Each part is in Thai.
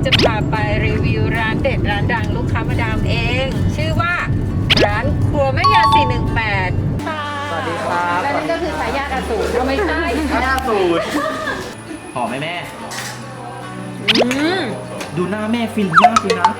จะพาไปรีวิวร้านเด็ดร้านดังลูกค้ามาดามเอง ชื่อว่าร้านครัวแม่ยา418ค่ะสวัสดีครับและนั่นก็คือทายาทอสูรเราไม่ใช่ทายาทสูตรหอมไหมแม่ดูหน้าแม่ฟินมากเลยนะ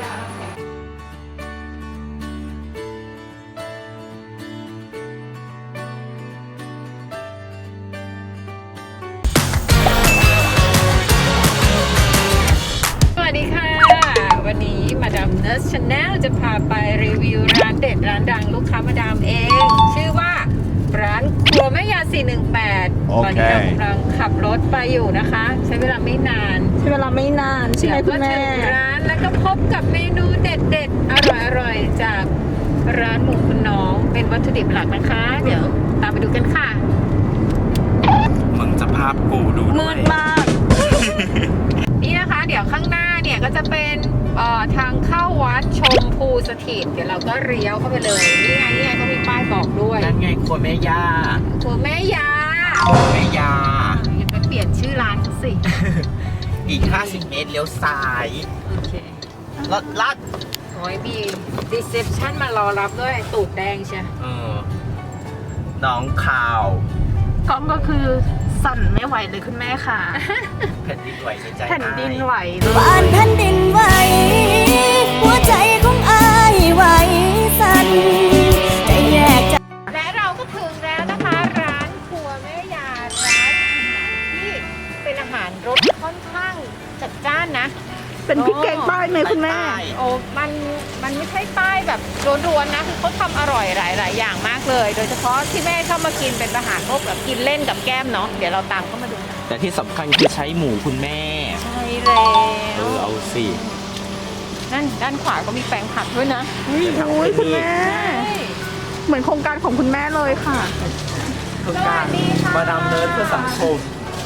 สวัสดีค่ะ วันนี้มาดามเนสชาแนลจะพาไปรีวิวร้านเด็ดร้านดังลูกค้ามาดามเอง ชื่อว่าร้านครัวแม่ยา418ตอนนี้เรากำลังขับรถไปอยู่นะคะ ใช้เวลาไม่นานใช่ไหมคุณแม่ถึงร้านแล้วก็พบกับเมนูเด็ดๆอร่อยๆจากร้านหมูคุณน้องเป็นวัตถุดิบหลักนะคะ เดี๋ยวตามไปดูกันค่ะมึงจะภาพกูดูด้วยมืดมากนี่นะคะเดี๋ยวข้างหน้าเนี่ยก็จะเป็นทางเข้าวัดชมพูสถิตเดี๋ยวเราก็เลี้ยวเข้าไปเลยนี่ไงเขามีป้ายบอกด้วยนั่นไงครัวแม่ย่าครัวแม่ยาครัวแม่ย่าอย่าไปเปลี่ยนชื่อร้านเขาสิอีก50 เมตรเลี้ยวซ้ายโอเคลัดโอ้ยมีรีเซพชันมารอรับด้วยตูดแดงใช่น้องข่าวกล้องก็คือสั่นไม่ไหวเลยคุณแม่ค่ะแผ่นดินไหวในใจแผ่นดินไหวเลยบ้านแผ่นดินไหวหัวใจของอายไหวสั่นแต่แยกจากและเราก็ถึงแล้วนะคะร้านครัวแม่ยาร้านอาหารที่เป็นอาหารรสค่อนข้างจัดจ้านนะเป็นพริกแกงใต้ไหมคุณแม่โอ้มันไม่ใช่ป้ายแบบร้วนๆนะคือเขาทำอร่อยหลายอย่างมากเลย โดยเฉพาะที่แม่เข้ามากินเป็นอาหารพวกแบบกินเล่นกับแก้มเนาะเดี๋ยวเราตามเข้ามาดูนะแต่ที่สำคัญคือใช้หมูคุณแม่ใช่แล้วเอาสินั่นด้านขวาก็มีแปลงผักด้วยนะอุ้ยคุณแม่ เหมือนโครงการของคุณแม่เลยค่ะโครงการมาดามเนิร์ดเพื่อสังคม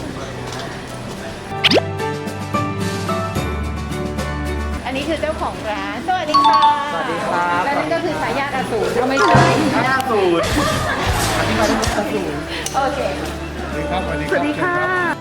อันนี้คือเจ้าของร้านสวัสดีค่ะสวัสดีครับและนั่นก็คือทายาทอสูรเราไม่ใช่ทายาทสูตรอธิบายได้หมดสูตรโอเคสวัสดีค่ะ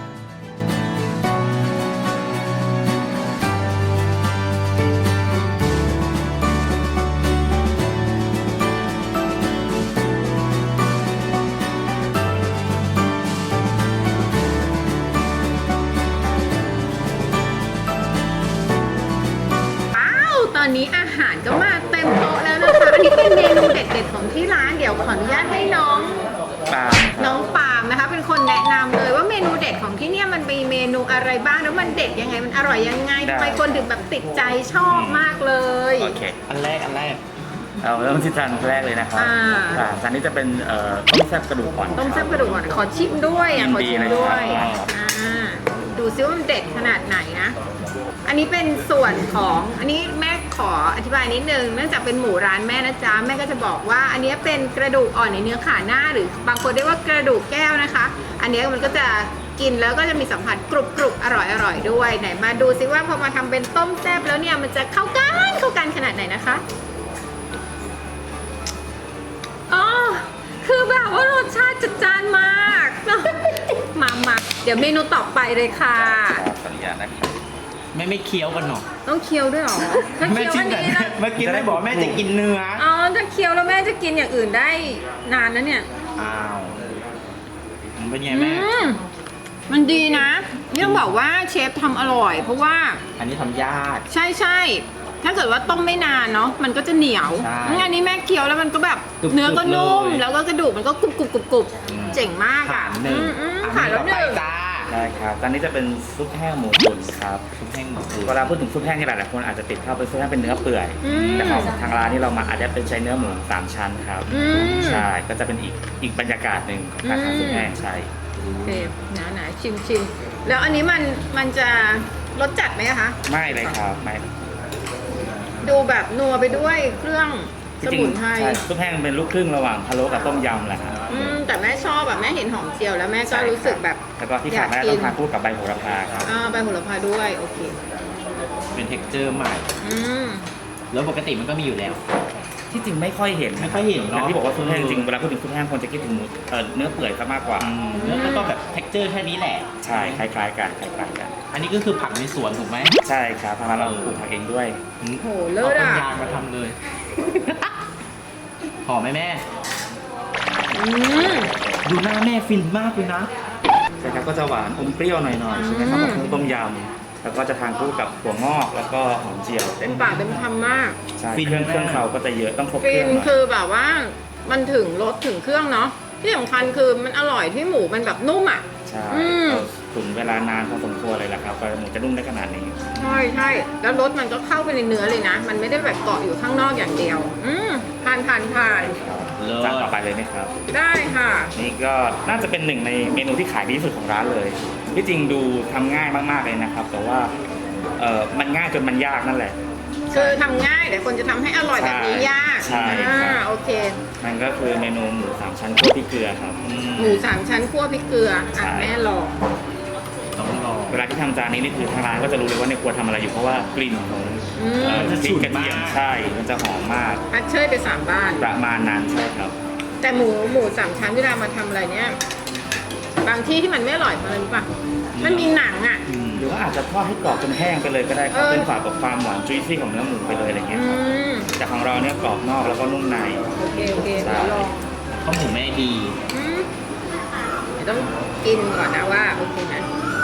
ตอนนี้อาหารก็มาเต็มโต๊ะแล้วนะคะ อันนี้เป็นเมนูเด็ดๆของที่ร้าน เดี๋ยวขออนุญาตให้น้องปาล์มนะคะ เป็นคนแนะนำเลยว่าเมนูเด็ดของที่เนี่ยมันมีเมนูอะไรบ้างแล้วมันเด็ดยังไงมันอร่อยยังไงทำไมคนถึงแบบติดใจชอบมากเลยโอเค อันแรกเราเริ่มที่จานแรกเลยนะครับจานนี้จะเป็นต้มแซ่บกระดูกอ่อนต้มแซ่บกระดูกอ่อนขอชิมด้วยขอชิมด้วยครับดูซิว่ามันเด็ดขนาดไหนนะ อันนี้เป็นส่วนของอันนี้แม่ขออธิบายนิดนึงเนื่องจากเป็นหมูร้านแม่นะจ๊ะแม่ก็จะบอกว่าอันนี้เป็นกระดูกอ่อนในเนื้อขาหน้าหรือบางคนเรียกว่ากระดูกแก้วนะคะ อันนี้มันก็จะกินแล้วก็จะมีสัมผัสกรุบๆอร่อยด้วยไหนมาดูซิว่าพอมาทำเป็นต้มแซ่บแล้วเนี่ยมันจะเข้ากันขนาดไหนนะคะอ๋อคือแบบว่ารสชาติจัดจ้านมาก มาเดี๋ยวเมนูต่อไปเลยค่ะขออนุญาตนะครับไม่เคี้ยวกันหรอต้องเคี้ยวด้วยเหรอถ้าเคี้ยวอันนี้นะเมื่อกี้แม่บอกแม่จะกินเนื้ออ๋อถ้าเคี้ยวแล้วแม่จะกินอย่างอื่นได้นานนะเนี่ยอ้าวมันเป็นไงแม่มันดีนะนี่ต้องบอกว่าเชฟทำอร่อย เพราะว่าอันนี้ทำยากใช่ถ้าเกิดว่าต้มไม่นานเนาะมันก็จะเหนียวใช่อันนี้แม่เคี้ยวแล้วมันก็แบบกรุบๆเนื้อก็นุ่มเลยแล้วก็กระดูกมันก็กรุบเจ๋งมากผ่าอ่ะนหนึ่งผ่านแล้วหนึ่งใช่ครับจานนี้จะเป็นซุปแห้งหมูตุ๋นครับซุปแห้งหมูตุ๋นเวลาพูดถึงซุปแห้งนี่หลายๆคนอาจจะติดภาพเป็นซุปแห้งเป็นเนื้อเปื่อยแต่ของทางร้านนี่เรามาอาจจะเป็นใช้เนื้อหมู3 ชั้นครับใช่ก็จะเป็นอีกบรรยากาศหนึ่งของการทำซุปแห้งใช่โอเคหนาชิมแล้วอันนี้มันจะรสจัดไหมคะไม่เลยครับไม่ดูแบบนัวไปด้วยเครื่องสมุนไพรใช่ซุปแห้งเป็นลูกครึ่งระหว่างพะโล้กับต้มยำแหละครับแต่แม่ชอบแบบแม่เห็นหอมเจียวแล้วแม่ก็รู้สึกแบบแล้วก็ที่ขาดไม่ได้ต้องทานคู่กับใบโหระพาครับใบโหระพาด้วยโอเคเป็นเท็กเจอร์ใหม่อืมแล้วปกติมันก็มีอยู่แล้วที่จริงไม่ค่อยเห็นไม่ค่อยเห็นอย่างเนาะที่บอกว่าซุปแห้งจริงเวลาพูดถึงซุปแห้งคนจะคิดถึงหมูเนื้อเปื่อยซะมากกว่าแล้วก็แบบ texture แค่นี้แหละใช่คล้ายๆกันคล้ายๆกันอันนี้ก็คือผักในสวนถูกไหมใช่ครับทางร้านเราปลูกผักเองด้วยโหเลิศเอาอ่ะต้นยางมาทำเลย หอมไหมแม่อืมดูหน้าแม่ฟินมากเลยนะใช่ครับก็จะหวานอมเปรี้ยวหน่อยๆใช่ไหมครับอืมกับเครื่องต้มยำแล้วก็จะทานคู่กับถั่วงอกแล้วก็หอมเจียวเต็มปากเต็มคำมากใช่ฟินเครื่องมากเครื่องเขาก็จะเยอะต้องครบเคฟิรื่อน งหน่อยคือแบบว่ามันถึงรสถึงเครื่องเนาะที่สำคัญคือมันอร่อยที่หมูมันแบบนุ่มอ่ะใช่อืมเราตุ๋นเวลานานพอสมควรเลยแหละครับกว่าหมูจะนุ่มได้ขนาดนี้ใช่ใช่แล้วรสมันก็เข้าไปในเนื้อเลยนะ มันไม่ได้แบบเกาะอยู่ข้างนอกอย่างเดียว ทานเลิศจานต่อไปเลยไหมครับได้ค่ะนี่ก็น่าจะเป็นหนึ่งในเมนูที่ขายดีที่สุดของร้านเลยที่จริงดูทำง่ายมากๆเลยนะครับ แต่ว่ามันง่ายจนมันยากนั่นแหละคือทำง่ายแต่คนจะทำให้อร่อยแบบนี้ยากใช่ครับโอเคมันก็คือเมนูหมูสามชั้นคั่วพริกเกลือครับหมูสามชั้นคั่วพริกเกลือใช่แม่ลองต้องลองเวลาที่ทำจานนี้นี่คือทางร้านก็จะรู้เลยว่าในครัวทำอะไรอยู่เพราะว่ากลิ่นของอืมจะพริฉุกนกระเทียมมากใช่มันจะหอมมากพัดเชยไป3 บ้านประมาณนั้นใช่ครับแต่หมูสามชั้นเวลามาทำอะไรเนี่ย บางที่ที่มันไม่อร่อยเพราะอะไรรู้ป่ะ มันมีหนังอ่ะหรือว่าอาจจะทอดให้กรอบจนแห้งไปเลยก็ได้ครับเออเป็นฝากับความหวานจุยซี่ของเนื้อหมูไปเลยอะไรเงี้ยอืครับมแต่ของเราเนี่ยกรอบนอกแล้วก็นุ่มในโอเคเดี๋ยวลองข้าวหมูแม่ดีอืมเดี๋ยวต้องกินก่อนนะว่าโอเคไหม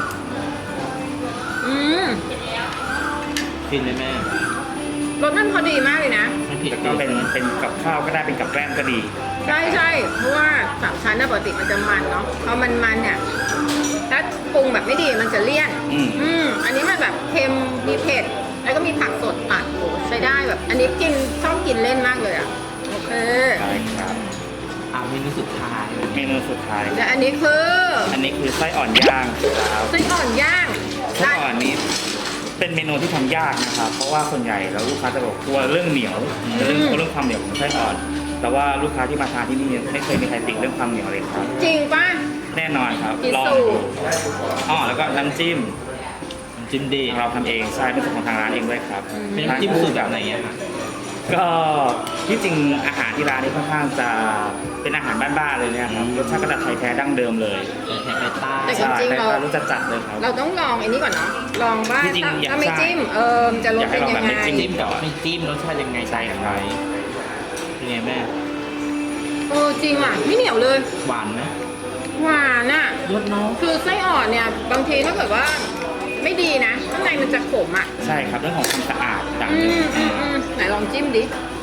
อืมฟินไหมแม่รสมันพอดีมากเลยนะไม่ผิดแล้วก็เป็นกับข้าวก็ได้เป็นกับแกล้มก็ดีใช่ใช่เพราะว่าสามชั้นน่ะปกติมันจะมันเนาะพอมันเนี่ยถ้าปรุงแบบไม่ดีมันจะเลี่ยน อันนี้มันแบบเค็มมีเผ็ดแล้วก็มีผักสดตัดโอ้ใช้ได้แบบ อันนี้ชอบกินเล่นมากเลยอ่ะโอเคใช่ครับเมนูสุดท้ายเมนูสุดท้ายและอันนี้คืออันนี้คือไส้อ่อนย่างครับไส้อ่อนย่างไส้อ่อนนี้เป็นเมนูที่ทำยากนะครับ เพราะว่าส่วนใหญ่แล้วลูกค้าจะบอกกลัวเรื่องเหนียวเรื่องความเหนียวของไส้อ่อน แต่ว่าลูกค้าที่มาทานที่นี่ไม่เคยมีใครติเรื่องความเหนียวเลยครับจริงป่ะแน่นอนครับพิลองสูดูจน์แล้วก็น้ำจิ้มน้ำจิ้มดีเราทำเองใช่เป็นสูตรของทางร้านเองด้วยครับเป็นน้ำจิ้มสูตรแบบไหนอะคะก็ที่จริงอาหารที่ร้านนี้ค่อนข้างจะเป็นอาหารบ้านๆเลยเนี่ยครับรสชาติก็จะไทยแท้ดั้งเดิมเลยแถบไปใต้แต่ใช่จริงๆแต่เรารสจัดๆเลยครับเราต้องลองอันนี้ก่อนเนาะลองว่าจริงๆอยากถ้าไม่ทราบจิ้มมันจะรสอยากให้เป็นลองยังแบบไงไม่จิ้มกับไม่จิ้มรสชาติยังไงใช่ครับไหมเป็นไงแม่จริงอ่ะไม่เหนียวเลยหวานไหมหวานอ่ะรสน้องคือไส้อ่อนเนี่ยบางทีถ้าเกิดว่าไม่ดีนะข้างในมันจะขมอ่ะใช่ครับเรื่องของความสะอาดต่างหนึ่งไหนลองจิ้มดิ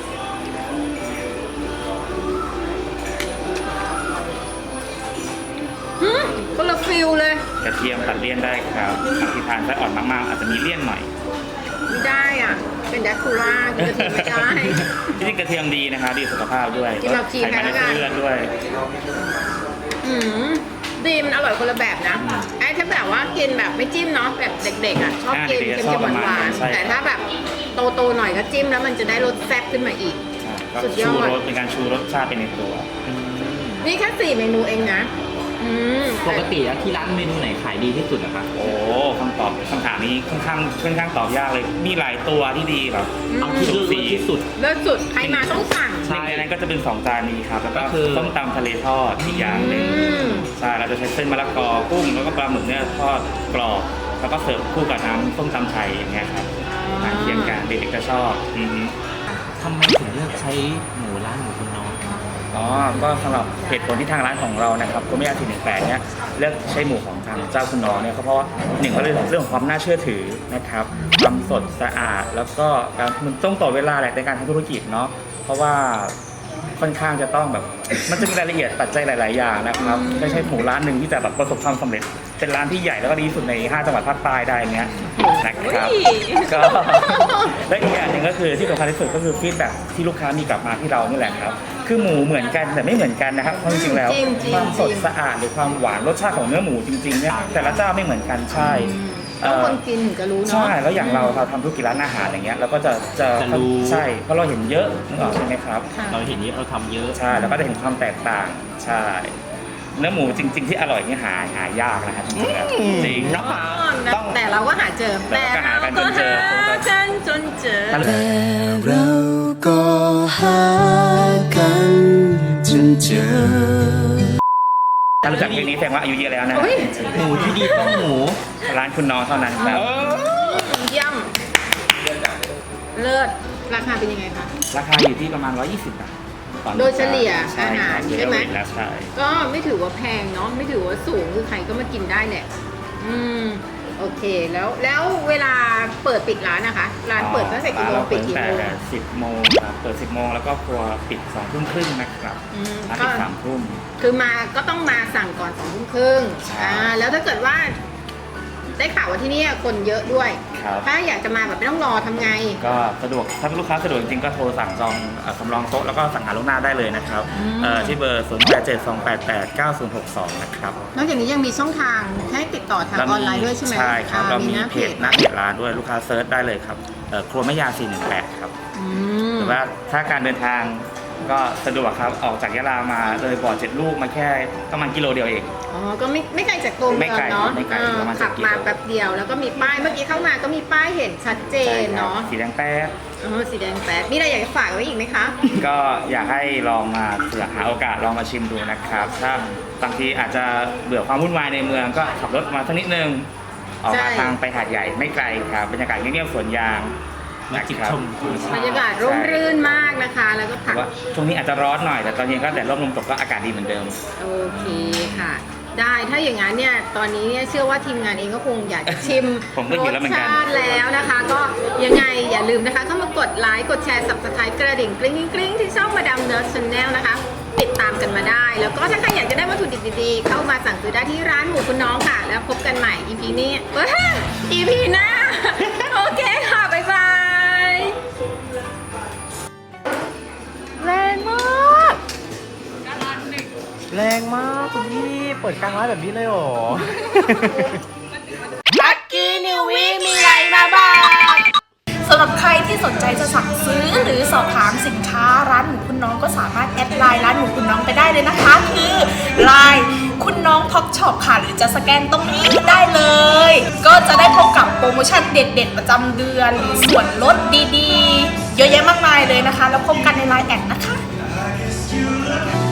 คนละฟิลเลยกระเทียมตัดเลี่ยนได้ครับบางทีทานไส้อ่อนมากๆอาจจะมีเลี่ยนหน่อยไม่ได้อ่ะ เป็นแดกคูล่ากินกระเทียมไม่ได้ที่จริงกระเทียมดีนะครับดีสุขภาพด้วยกินแบบจีนไขมันในแล้วกันเส้นเลือดด้วยอืมดีมันอร่อยคนละแบบนะไอ้ถ้าแบบว่ากินแบบไม่จิ้มเนาะแบบเด็กๆอ่ะชอบกินเด็กๆเค็ชอบมประๆมาณหวานั้น นใช่ๆแต่ถ้าแบบโตๆหน่อยก็จิ้มแล้วมันจะได้รสแซ่บขึ้นมาอีกก็สุดยอชูดรสเป็นการชูรสชาติไปในตัวนี่แค่4 เมนูเองนะปกติแล้วที่ร้านเมนูไหนขายดีที่สุดอะคะโอ้คำถามนี้ค่อนข้างตอบยากเลย มีหลายตัวที่ดีแบบเอาที่เลือกที่สุดเลิศสุดใครมาต้องสั่งใช่ในนั้นก็จะเป็น2 จานนี้ครับแล้วก็ก็คือต้มตำทะเลทอดอีกอย่างหนึ่งมใช่เราจะใช้เส้นมะละกอกุ้งแล้วก็ปลาหมึกเนี่ยทอดกรอบแล้วก็เสิร์ฟคู่กับน้ำส้มตำไทยอย่างเงี้ยครับทานเคียงกันเด็กๆก็ชอบทำไมถึงเลือกใช้หมูร้านหมูคุณน้องก็สำหรับเหตุผลที่ทางร้านของเรานะครับโกเมอา418เนี่ยเลือกใช้หมูของทางเจ้าคุณน้องเนี่ยก็เพราะว่าหนึ่งก็เรื่องของความน่าเชื่อถือนะครับความสดสะอาดแล้วก็การมันต้องต่อเวลาแหละในการทำธุรกิจเนาะเพราะว่าค่อนข้างจะต้องแบบมันจะมีรายละเอียดปัจจัยหลาย ๆ อย่างนะครับไม่ใช่หมูร้านหนึ่งที่จะแบบประสบความสำเร็จเป็นร้านที่ใหญ่แล้วก็ดีที่สุดใน5 จังหวัดภาคใต้ได้เนี้ยนะครับก็และอีกอย่างหนึ่งก็คือที่สำคัญที่สุดก็คือฟีดแบ็กที่ลูกค้ามีกลับมาที่เรานี่แหละครับคือหมูเหมือนกันแต่ไม่เหมือนกันนะครับเพราะจริงๆแล้วความสดสะอาดหรือความหวานรสชาติของเนื้อหมูจริงๆเนี่ยแต่ละเจ้าไม่เหมือนกันใช่ต้องคนกินถึงจะรู้เนาะใช่แล้วอย่างเราทำธุรกิจร้านอาหารอย่างเงี้ยเราก็จะรู้ใช่เพราะเราเห็นเยอะนึกออกใช่ไหมครับเราเห็นนี้เราทำเยอะใช่แล้วก็ได้เห็นความแตกต่างใช่เนื้อหมูจริง ๆ ที่อร่อยนี่หายากนะครับจริงๆแล้วจริงเนาะแต่เราก็หาเจอแต่เราก็หากันจนเจอกันจนเจอแต่เราก็หาเจอถ้ารู้จักเพลงนี้แสดงว่าอายุเยอะแล้วนะอุ๊ยหมูที่ดีต้องหมูร้านคุณน้องเท่านั้นครับเยี่ยมเลิศราคาเป็นยังไงคะราคาอยู่ที่ประมาณ 120 บาทต่อหนึ่งโดยเฉลี่ยใช่อาหารคบใช่ไหมแล้วใช่ก็ไม่ถือว่าแพงเนาะไม่ถือว่าสูงคือใครก็มากินได้แหละโอเคแล้วเวลาเปิดปิดร้านนะคะ ร้านเปิดตั้งแต่กี่โมงปิดกี่โมงแต่10 โมงครับเปิด 10 โมงแล้วก็ครัวปิด 2 ทุ่มครึ่งนะครับอืมร้านก็ปิด3 ทุ่มคือมาก็ต้องมาสั่งก่อน2 ทุ่มครึ่งใช่แล้วถ้าเกิดว่าได้ข่าวว่าที่นี่คนเยอะด้วยครับถ้าอยากจะมาแบบไม่ต้องรอทำไงก็สะดวกถ้าลูกค้าสะดวกจริงๆก็โทรสั่งจองสำรองโต๊ะแล้วก็สั่งหาล่วงหน้าได้เลยนะครับ ที่เบอร์ 0872889062 นะครับนอกจากนี้ยังมีช่องทางให้ติดต่อทางออนไลน์ด้วยใช่ไหมใช่ครับเรามีหน้าเพจหน้าเพจร้านด้วยลูกค้าเซิร์ชได้เลยครับครัวแม่ยา418 ครับอืมหรือว่าถ้าการเดินทางก็สะดวกครับออกจากยะลามาเลยบ่อ7 ลูกมาแค่ประมาณกิโลเดียวเองอ๋อ ก็ไม่ไกลจากตัวเมืไม่องไกลเนาะไม่ไกลประมาณขับ 10 กิโลมาแป๊บเดียวแล้วก็มีป้ายเมื่อกี้เข้ามาก็มีป้ายเห็นชัดเจนเนาะสีแดงแป๊ดสีแดงแป๊ดมีอะไรอยากจะฝากไว้อีกไหมคะก็อยากให้ลองมาเผื่อหาโอกาสลองมาชิมดูนะครับ ถ้าบางทีอาจจะเบื่อความวุ่นวายในเมืองก็ขับรถมาสักนิดนึงออกใช่มาทางไปหาดใหญ่ไม่ไกลครับบรรยากาศเงียบๆสวนยางมาจิบชมธรรมชาบรติรยากาศร่มรื่นมากนะคะ แล้วก็แต่ผักว่าช่วงนี้อาจจะร้อนหน่อยแต่ตอนเย็นก็แดดร่มลมตกก็อากาศดีเหมือนเดิมโอเคค่ะ ได้ถ้าอย่างนั้นเนี่ยตอนนี้เนี่ยเชื่อว่าทีมงานเองก็คงอยากจะชิมผมก็หิวแล้วเหมือนกันรสชาติแล้วนะคะ ก็ยังไงอย่าลืมนะคะ เข้ามากดไลค์กดแชร์ subscribe กระดิ่งกริ๊งกริ๊งที่ช่องมาดามเนิร์ดชาแนลนะคะ ติดตามกันมาได้ แล้วก็ถ้าใครอยากจะได้วัตถุดิบดีๆ เข้ามาสั่งซื้อได้ที่ร้านหมูคุณน้องค่ะ แล้วพบกันใหม่ EP นี้EP หน้า โอเคค่ะ บ๊ายบายแรงมากแรงมากคุณพี่เปิดกลางร้านแบบนี้เลยเหรอลักกี้นิววีมีอะไรมาบอกสำหรับใครที่สนใจจะสั่งซื้อหรือสอบถามสินค้าร้านหมูคุณน้องก็สามารถแอดไลน์ร้านหมูคุณน้องไปได้เลยนะคะ คือไลน์คุณน้องท็อปช็อปค่ะหรือจะสแกนตรงนี้ได้เลย ก็จะได้พบกับโปรโมชั่นเด็ดๆประจำเดือนหรือส่วนลดดีๆ เยอะแยะมากมายเลยนะคะ แล้วพบกันในไลน์แอดนะคะ